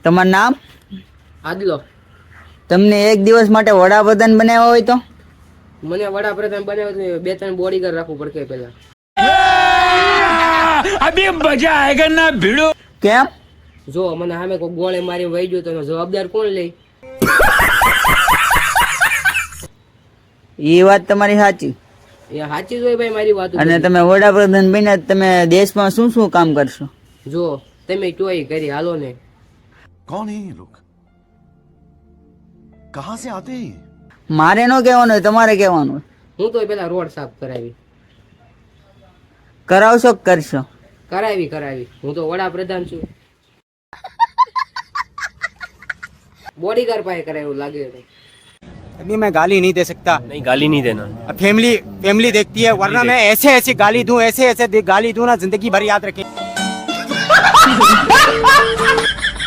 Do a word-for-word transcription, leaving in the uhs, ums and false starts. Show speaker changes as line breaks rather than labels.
તમારું નામ?
આદલો.
તમને એક દિવસ માટે વડાપ્રધાન બનાવ્યા હોય તો?
મને વડાપ્રધાન બનાવ્યો તો બે ત્રણ બોડીગાર્ડ રાખવું પડશે પેલા.
અભી મજા આયેગા ના ભીડો.
કેમ?
જો મને સામે કોઈ ગોળે મારી વહી ગયો તો એનો જવાબદાર કોણ લે?
એ વાત તમારી સાચી.
એ સાચી જ હોય ભાઈ મારી વાત.
અને તમે વડાપ્રધાન બન્યા તમે દેશમાં શું શું કામ કરશો?
જો તમે ચોઈ કરી હાલો ને.
कौन है ये लोग कहां से आते हैं?
મારે નો કહેવાનું હોય, તમારે કહેવાનું હોય.
હું તો પેલા રોડ સાફ કરાવી
કરાવશો કે કરશો?
કરાવી કરાવી હું તો વડાપ્રધાન છું. બોડીગાર્ડ પાસે કરાવ્યું લાગે છે.
अभी मैं गाली नहीं दे सकता.
नहीं गाली नहीं देना.
फैमिली फैमिली देखती है वरना मैं ऐसे ऐसे गाली दूं ऐसे ऐसे गाली दूं ना जिंदगी भर याद रखें.